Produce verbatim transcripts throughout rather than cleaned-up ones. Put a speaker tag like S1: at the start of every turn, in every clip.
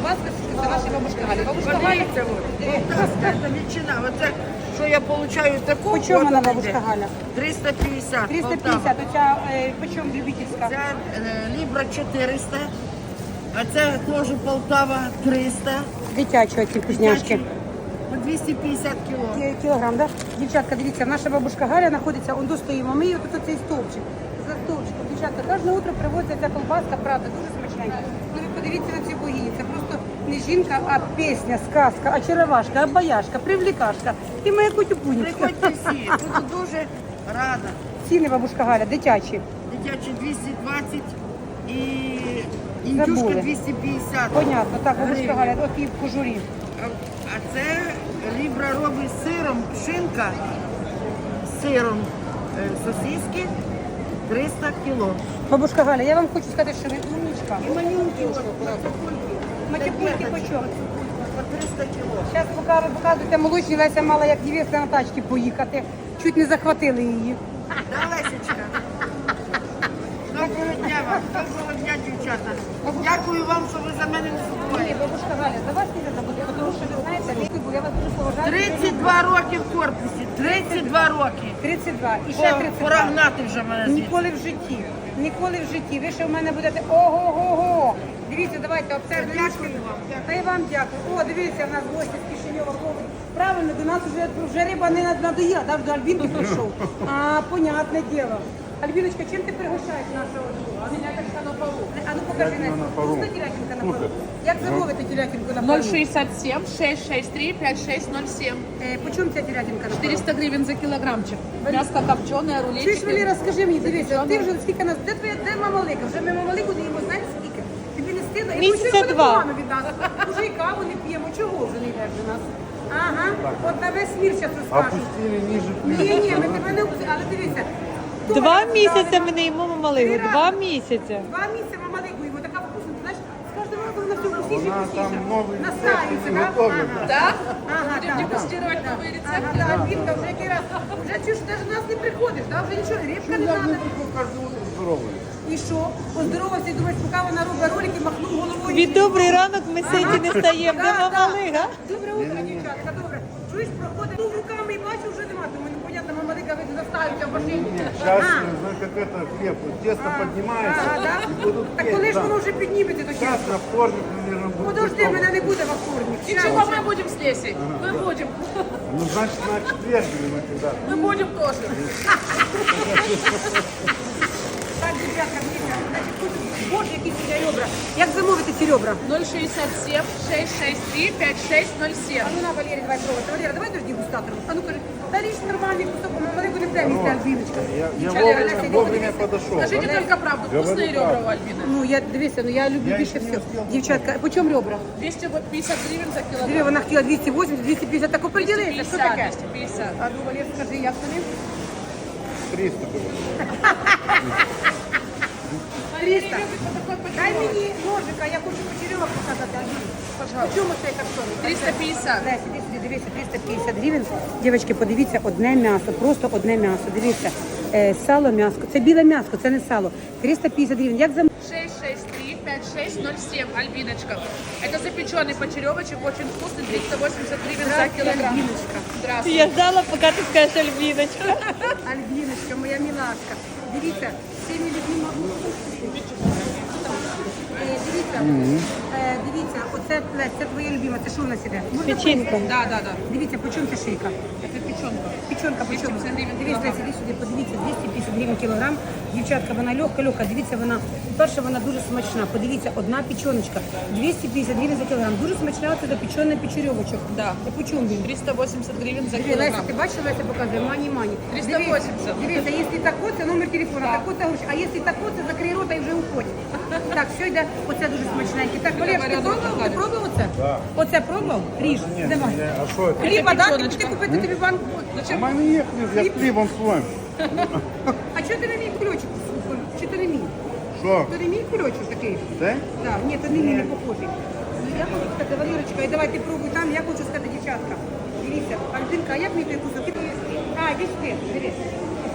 S1: колбаска, це наші бабушка Галя. Бабушка Галя.
S2: Подивіться, колбаска, ветчина. Оце, що я получаю таку.
S1: По чому вона,
S2: от
S1: бабушка
S2: іде.
S1: Галя?
S2: триста п'ятдесят.
S1: триста
S2: Полтава.
S1: п'ятдесят, оця, е, по чому любительська?
S2: Це е, лібра чотириста, а це теж Полтава триста.
S1: Дитячі оці вкусняшки.
S2: По двісті п'ятдесят кіло.
S1: Кі- Кілограм, да? Дівчатка, дивіться, наша бабушка Галя знаходиться, он достоїмо. Ми її тут цей стовпчик. За стовпчиком. Дівчатка, кожне утро привозиться ця колбаска, правда, дуже смачненька. Ну ви подивіться на цю богиню. Це просто не жінка, а пісня, сказка, очаровашка, обаяшка, привлікашка. І моя котюпунечка.
S2: Приходьте всі, буду дуже рада.
S1: Ціни, бабушка Галя, дитячі.
S2: Дитячі двісті двадцять і індюшка
S1: Забули.
S2: двісті п'ятдесят.
S1: Понятно, так, бабушка
S2: гривень.
S1: Галя, от і в кожурі.
S2: А а це лібра робить з сиром, шинка з сиром е, сосиски триста кіло.
S1: Бабушка Галя, я вам хочу сказати, що ви умничка.
S2: І манюнки от,
S1: Матюпульки по чому?
S2: по триста кіло.
S1: Зараз поки ви показуєте молочні, Леся мала як невеста на тачці поїхати. Чуть не захватили її.
S2: Да, Лесечка? Доброго дня вам, доброго дня, дівчата. Дякую вам, що ви за мене не
S1: Ні,
S2: забуваєте.
S1: бабушка Галя, за вас не забуду, тому що ви знаєте, я вас дуже поважаю.
S2: тридцять два роки в корпусі, тридцять два роки.
S1: тридцять два. І ще
S2: По-
S1: тридцять
S2: Пора
S1: два.
S2: гнати вже мене звідси.
S1: Ніколи в житті. Ніколи в житті. Ви ще в мене будете ого-го-го. Дивіться, давайте обсердуємо.
S2: Дякую вам, дякую.
S1: Та й вам дякую. О, дивіться, в нас гості з Кишиньова. Правильно, до нас вже, вже риба не надоїла, да, до Альбінки прийшов. А, понятне діло. Альбіночка, чим ти пригощаєш нашого друга? А мене так на полу. А ну покажи, Настя. Вкусна телятинка на полу? Як замовити телятинку на полу?
S3: ноль шестьдесят семь шесть шесть три пять шесть ноль семь.
S1: Е, по чому ця телятинка на полу?
S3: четыреста гривен за килограммчик. Мяско копченое,
S1: Чуєш,
S3: рулетики.
S1: Валера, скажи мені, дивися, ти вже скільки нас, де твоя, де мама Лика? Вже ми мама Лику даємо, знаєш скільки? Тобі не стидно? І
S3: Місяця
S1: ми ще
S3: два.
S1: ходимо від нас. Уже і каву не п'ємо, чого вже не йдеш до нас? Ага, от на весь мір зараз розкажеш.
S4: Опустили ниже
S1: Ні, ні, ми тебе не опустили, але дивися. хто
S5: Два
S1: мене
S5: місяці
S1: поставила?
S5: ми не їмо мамалигу.
S1: Три
S5: Два
S1: рази.
S5: місяці.
S1: Два місяці мама Лику їмо, така вкусна, ти знаєш, з кожного разу вона все вкусніше і
S4: Вона
S1: вкусніше.
S4: там новий
S1: Настаюється,
S4: рецепт
S1: так?
S4: готовить.
S1: Ага.
S3: Да?
S1: Ага,
S3: Будем
S1: так,
S3: дегустировать
S1: так.
S3: новые
S1: Ага,
S3: рецепты.
S1: да, Альбінка, вже який раз, вже чуєш, навіть до нас не приходиш, да? Вже нічого, рибка не
S4: Я
S1: треба.
S4: не прихожу каждое утро здоровый.
S1: І що? Поздоровався, і думаєш, поки вона робить ролики, махнув головою.
S5: Від добрий ранок ми сиді не стаємо. Де
S1: Да, да.
S5: мамалига?
S1: Добре утро, дівчатка, добре. Чуєш, проходить, ну руками і бачу, вже нема. Думаю, ну понятно, мама Лика, ви заставите в машині.
S4: Сейчас,
S1: Ага.
S4: знаешь, как это хлеб, вот тесто поднимается
S1: Ага, да?
S4: и будут
S1: Так
S4: петь,
S1: коли ж
S4: да.
S1: воно вже підніметься до
S4: Сейчас
S1: тіста?
S4: на вторник, наверное, будет
S1: Подожди,
S4: готово.
S1: мене не буде во вторник.
S3: Ничего, мы будем с Лесей. Мы будем.
S4: Ну, значит, на четверг или на когда.
S3: Мы будем тоже.
S1: Так, дівчатка, дивіться, значить, тут, боже, які ці ребра. Як замовити ці ребра?
S3: ноль шестьдесят семь шесть шесть три пять шесть ноль семь.
S1: А ну на, Валерій, давай пробувати. Валера, давай дожди дегустатором. А ну кажи, та річ нормальний кусок, мама Лику не прямо їсти Альбіночка.
S4: Я, я
S1: Валера,
S4: вовремя,
S1: Леся,
S4: вовремя
S1: дивіться.
S4: подошел.
S3: Скажите
S4: да?
S3: только правду. Вкусные
S4: Говорю
S3: ребра
S4: правду.
S3: у Альбины.
S1: Ну, я, дивися, ну я люблю
S4: Я
S1: більше
S4: ще не
S1: всього.
S4: встигла
S1: Дівчатка, по чому ребра?
S3: двести пятьдесят гривен за
S1: Диви,
S3: килограмм.
S1: вона хотіла двісті вісімдесят, двісті п'ятдесят, так оприділися, що таке?
S3: двести пятьдесят.
S1: А ну, Валер, скажи, як тобі?
S4: триста было.
S1: триста. Дай мені ножика, я хочу почерьовок показати. По чому цей картон?
S3: триста пятьдесят.
S1: Леся, іди сюди, дивіться, триста п'ятдесят гривень. Дівчатки, подивіться, одне м'ясо, просто одне м'ясо. Дивіться, е, сало, м'ясо. Це біле м'ясо, це не сало. триста п'ятдесят гривень. Як за...
S3: шесть шесть три пять шесть ноль семь. Альбиночка. Это запеченный почеревочек, очень вкусный, триста восемьдесят гривен за килограмм.
S1: Альбіночка.
S3: Здравствуйте.
S5: Я ждала, поки ти скажеш Альбіночка.
S1: Альбіночка, моя мілашка. Дивіться, всіми любима. Е, Дивіться, е, дивіться, оце Лесь, це твоя любима, це що у нас іде? Можна
S5: Печінка.
S1: поїсти?
S3: Да, да, да.
S1: Дивіться, по чому ця шийка?
S3: Это печенка.
S1: Печенка, по чому?
S3: двісті п'ятдесят гривень
S1: Дивіться,
S3: кілограм.
S1: сюди, сюди, подивіться, двісті п'ятдесят гривень кілограм. Дівчатка, вона легка, легка. Дивіться, вона, по-перше, вона дуже смачна. Подивіться, одна печеночка, двісті п'ятдесят гривень за кілограм. Дуже смачна, це запечений печерьовочок.
S3: Да.
S1: Це по чому він?
S3: триста восемьдесят гривен за
S1: Диви, Леся,
S3: килограмм.
S1: ти бачила, Леся показує, мані-мані.
S3: триста
S1: Диви-
S3: восемьдесят.
S1: Дивіться, якщо тако, це номер телефона, тако це гроші. А якщо тако, це закрий рота і вже уходь. Так, все йде, оце дуже смачненьке. Так, Валер, ти пробував? Ти пробував оце?
S4: Да.
S1: Оце пробував? Ріж,
S4: Нет,
S1: давай.
S4: я- а что это?
S1: Хліба,
S3: Це
S1: так?
S3: печоночка.
S1: Ти купити тобі банку.
S4: У мене є хліб, я з хлібом своїм.
S1: А чого ти не мій кульочок? Чи ти не мій?
S4: Що?
S1: Ти не мій кульочок такий?
S4: Це?
S1: Так, ні, то не мій, не похожий. Ну, я хочу сказати, Валерочка, і давай ти пробуй там, я хочу сказати, дівчатка. Дивіться, Альбинка, а як мій той кусок? А, десь ти, дивись.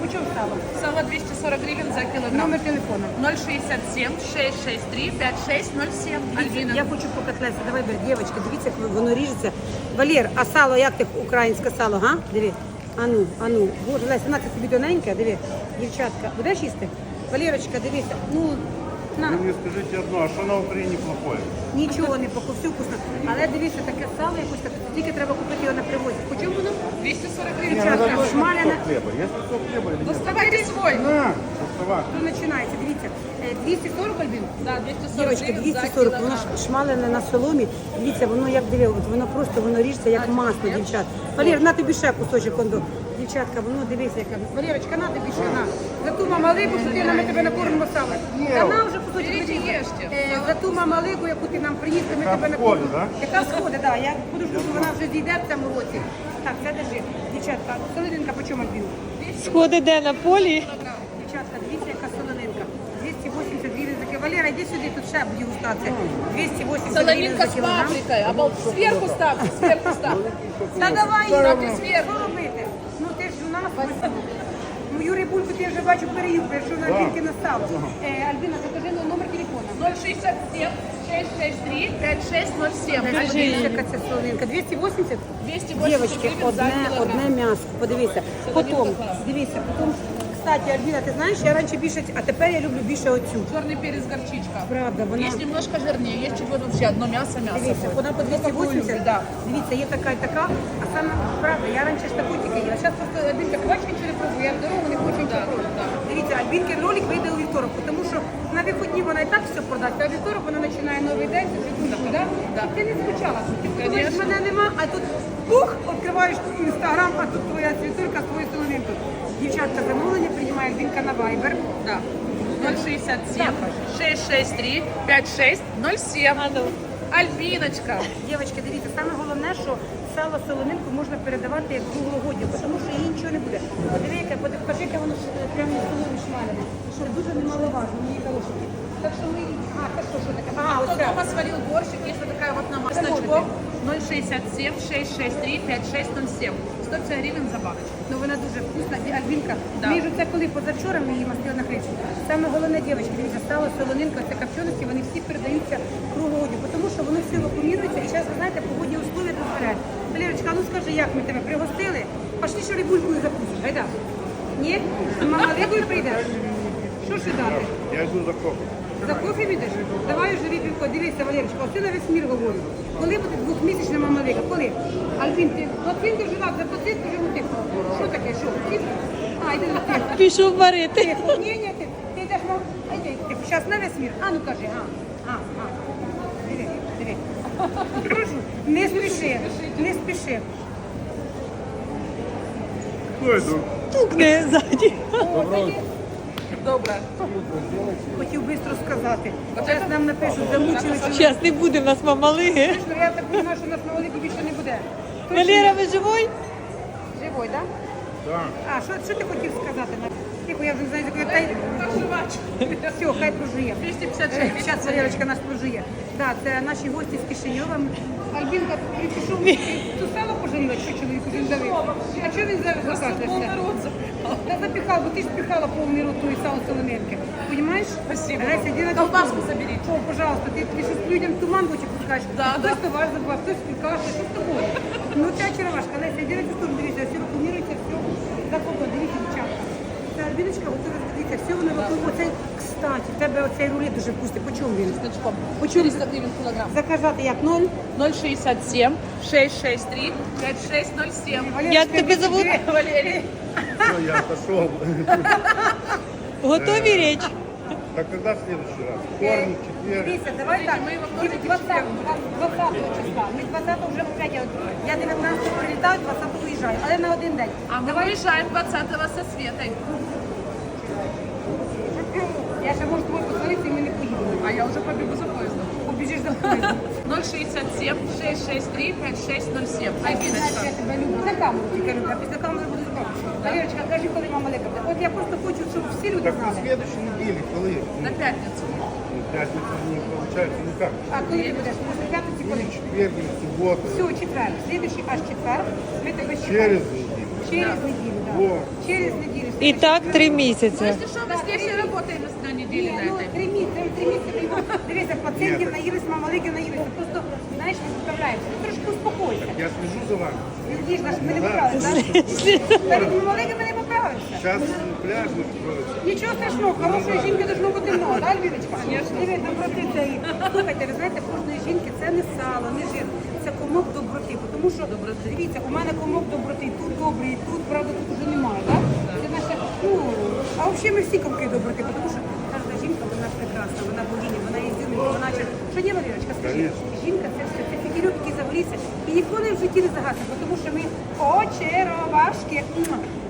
S1: Почем сало?
S3: Сало двести сорок гривен за килограмм.
S1: Номер телефона.
S3: ноль шестьдесят семь шестьсот шестьдесят три пятьдесят шесть ноль семь. Альбина.
S1: Я хочу покататися. Давай, бери, дівчатки, дивіться, як воно ріжеться. Валер, а сало, як ти українське сало, га? Диви. Ану, ану. Боже, Леся, на ти собі тоненьке, диви. Дівчатка, будеш їсти? Валерочка, дивися. Ну, на.
S4: Вы мне скажите одно, а что на Украине плохое?
S1: Нічого не поку, все вкусно. Але дивіться, таке сало якось так, тільки треба купити його на привозі. Почому воно?
S3: двести сорок гривен.
S4: Не,
S1: Дівчатка,
S4: надо точно
S1: шмаляне.
S4: кусок хлеба. Есть кусок хлеба или нет?
S3: Доставайте свой.
S4: На, доставай.
S1: Що починається? Дивіться. Е, двісті сорок, Альбін?
S3: Да, двести сорок
S1: Дівчатки,
S3: гривен
S1: двісті
S3: за
S1: сорок, воно
S3: килограмм.
S1: ж шмалене на соломі. Дивіться, воно як диви, от воно просто воно ріжеться як масло, дівчат. Валер, на тобі ще кусочок кондо. Дівчатка, воно дивися, яка. Валерочка, на тобі ще на. За ту мамалику, що ти нам ми тебе накормимо сало. Та на вже кусочок.
S3: Беріть і
S1: дивіться.
S3: їжте.
S1: Е, За ту мамалику, яку ти нам приніс, ми
S4: Яка
S1: тебе
S4: сходить,
S1: накормимо.
S4: да?
S1: Яка сходить, так. Я буду жду, що вона вже зійде в цьому році. Так, це держи. Дівчатка, солодинка по чому Альбіну?
S5: Сходи де на полі?
S1: Дівчатка, дивіться, яка солонинка. двісті вісімдесят гривень за кілограм. Валера, йди сюди, тут ще буде густатися. двісті вісімдесят гривень
S3: Солонинка
S1: за
S3: с
S1: кілограм.
S3: паприкой. Обал... Сверху ставьте, сверху ставьте.
S1: Та давай,
S3: Ставте
S1: що
S3: зверху.
S1: робити? Ну ти ж у нас високо. Мою рибульку ти вже бачу переїхав, що на тільки настав. Е, Альбіна, закажи на номер телефона.
S3: ноль шестьдесят семь шестьсот шестьдесят три пятьдесят шесть ноль семь.
S1: Дивіться, яка це солонинка. двісті вісімдесят?
S3: двести восемьдесят
S1: Дівчатки,
S3: гривен за
S1: одне,
S3: килограмм.
S1: одне м'ясо. Подивися. Потім, дивіться, потім, кстати, Альбіна, ти знаєш, я раніше більше, а тепер я люблю більше оцю.
S3: Черный перец горчичка.
S1: Правда, вона...
S3: Есть немножко жирнее, есть чуть вообще одно мясо, мясо.
S1: Дивіться,
S3: будет.
S1: вона по двісті вісімдесят, да. Дивіться, є така і така, а саме, правда, я раніше ж таку тільки їла. Зараз просто Альбінка, бачиш, нічого не пробую, я в дорогу не хочу нічого пробувати. Дивіться, Альбінкин ролик вийде у вівторок, тому що на вихідні вона і так все продасть, а у вівторок вона починає новий день, це вже да?
S3: Да.
S1: Ти не скучала, ти думаєш,
S3: Конечно.
S1: мене нема, а тут пух, відкриваєш інстаграм, а тут твоя світурка з твоєю солонинкою. Дівчатка, замовлення приймає Альбінка на Viber.
S3: Да. ноль шестьдесят семь шестьсот шестьдесят три пятьдесят шесть ноль семь.
S5: А ну.
S3: Альбиночка.
S1: Дівчатки, дивіться, саме головне, що сало солонинку можна передавати як круглогоддя, тому що їй нічого не буде. Подиви, яке, покажи, яке воно ж, е, прямо на соломі шмалене, що дуже немаловажно, мої хороші. Так що ми, а, це що, що таке? А,
S3: Кто
S1: ось це.
S3: дома сварил борщик, есть вот такая вот намазочка. ноль шестьдесят семь шестьсот шестьдесят три пятьдесят шесть ноль семь. сто пятьдесят гривен за баночку.
S1: Ну вона дуже вкусна. Ді- Альбінка,
S3: Да.
S1: ми ж це коли позавчора ми її мастили на хречку. Саме головне, дівчатки, дивіться, сало, солонинка, це копченості, вони всі передаються круглогоддю, тому що воно все вакуумірується і зараз, ви знаєте, погодні условия дозволяють. Валерочка, а ну скажи, як ми тебе пригостили? Пошли, що рибулькою закусиш, гайда. Ні? Мама рибою прийде? Що ж дати?
S4: Я иду за кофе.
S1: За кофе йдеш? Давай вже рибінко, дивися, Валерочка, оце на весь мір говорю. Коли буде двохмісячна мама Віка? Коли? Альбін, ти платин дуже рад, заплатив, дуже тихо. Що таке, що? Ти? А, йди на тихо.
S5: Пішов варити.
S1: Тихо. Ні, ні, ти, ти йдеш, мов, а йди, тихо, зараз на весь мір. А, ну кажи, а, а, а. Диви, диви. Прошу, не спіши, не спіши.
S4: Кто иду?
S5: Тукне ззаді.
S3: Доброе.
S1: Хотів швидко сказати. Зараз нам напишуть, замучилися.
S5: Зараз не буде в нас мамалиги.
S1: Точно, я так розумію, що у нас на Олегі більше не буде. Точно?
S5: Валера, ви живой?
S1: Живой, так? Да?
S4: Да.
S1: А, що, що ти хотів сказати? Тихо, я вже не знаю, як я... Все, хай прожує.
S3: двести пятьдесят шесть.
S1: Зараз Валерочка нас прожує. Так, це наші гості з Кишиньова. Альбінка, ти пішов, ту сало пожаліла, що чоловік уже давив. А чого він зараз закажешся?
S3: Полный рот запихал.
S1: Та запіхав, бо ти ж піхала повний рот тої сало солонинки. Понимаєш?
S3: Спасибо.
S1: Леся, іди на
S3: Колбаску
S1: кухню.
S3: заберіть.
S1: О, пожалуйста, ти, ти щось людям туман в очі пускаєш.
S3: Да,
S1: Хтось
S3: да.
S1: товар забував, хтось каже, що з тобою. Ну це очаровашка. Леся, іди на цю сторону, дивіться, все рекламується, все. Заходить, дивіться, дівчатка. Це Альбіночка, готова, дивіться, все воно вокруг. Оцей, кстати, в тебе оцей рулет дуже вкусний. По чому він?
S3: Значком.
S1: Почему?
S3: четыреста гривен килограмм.
S1: Заказати як ноль.
S3: ноль шестьдесят семь шестьсот шестьдесят три пятьдесят шесть ноль семь.
S5: Як тебе зовут?
S3: Валерий.
S4: Все, я отошел.
S5: Готові річ?
S4: Так когда в следующий раз? Вторник, четверг.
S1: Дивіться, давай так.
S3: Ми вам теж
S1: двадцятого двадцятого числа. Ми двадцятого вже опять. Я дев'ятнадцятого прилітаю, двадцятого виїжджаю, але на один день.
S3: А мы
S1: Давай.
S3: выезжаем двадцатого со Светой.
S1: Я ще можу тобою позвонити, і ми не поїдемо.
S3: А я уже побегу за поездом.
S1: Побіжиш за мною.
S3: ноль шестьдесят семь шестьсот шестьдесят три пятьдесят шесть ноль семь.
S1: Знаєш,
S3: Альбиночка.
S1: я тебе люблю. На камеру тільки люблю, а після камери буду збавити. Валерочка, кажи, коли мама лека буде. От я просто хочу, щоб всі люди
S4: Так на
S1: знали.
S4: следующей неделе, коли?
S3: На пятницу.
S4: Ну, пятница не получается никак.
S1: А коли ти будеш? Може, п'ятниці, коли?
S4: Или четверг, или суббота.
S1: Все, четвер. Слідуючий аж четвер. Ми тебе чекаємо.
S4: Через неделю.
S1: Через неділю, так.
S4: Во.
S1: Через неділю.
S5: І так три місяці.
S3: Если что, мы с ней все работаем на неделе на
S1: Ну,
S3: этой.
S1: три місяці, три місяці. Дивися, пацієнтів наїлись, мамалики наїлися. Просто, знаєш, не справляємося. Ну, трошки успокойся.
S4: Я слежу за вами.
S1: Видиш, наш, ми не поправилися, так? Перед мамаликами не поправився.
S4: Сейчас пляж откроется.
S1: Нічого страшного, хорошої жінки должно бути много, так, Альбіночка? Дивись, доброти це і... Слухайте, ви знаєте, в кожної жінки це не сало, не жир, це комок доброти. Тому що, дивіться, у мене комок доброти, тут добрий, і тут, правда, тут вже немає, так? Це наша, ну, а взагалі ми всі комки доброти, тому що кожна жінка, вона ж прекрасна, вона богиня, вона ізюмінка, вона чи... Що ні, Валерочка, скажи, жінка це все, це фігірок, які загоріться, і ніхто не в житті не загасить, тому що ми очеровашки.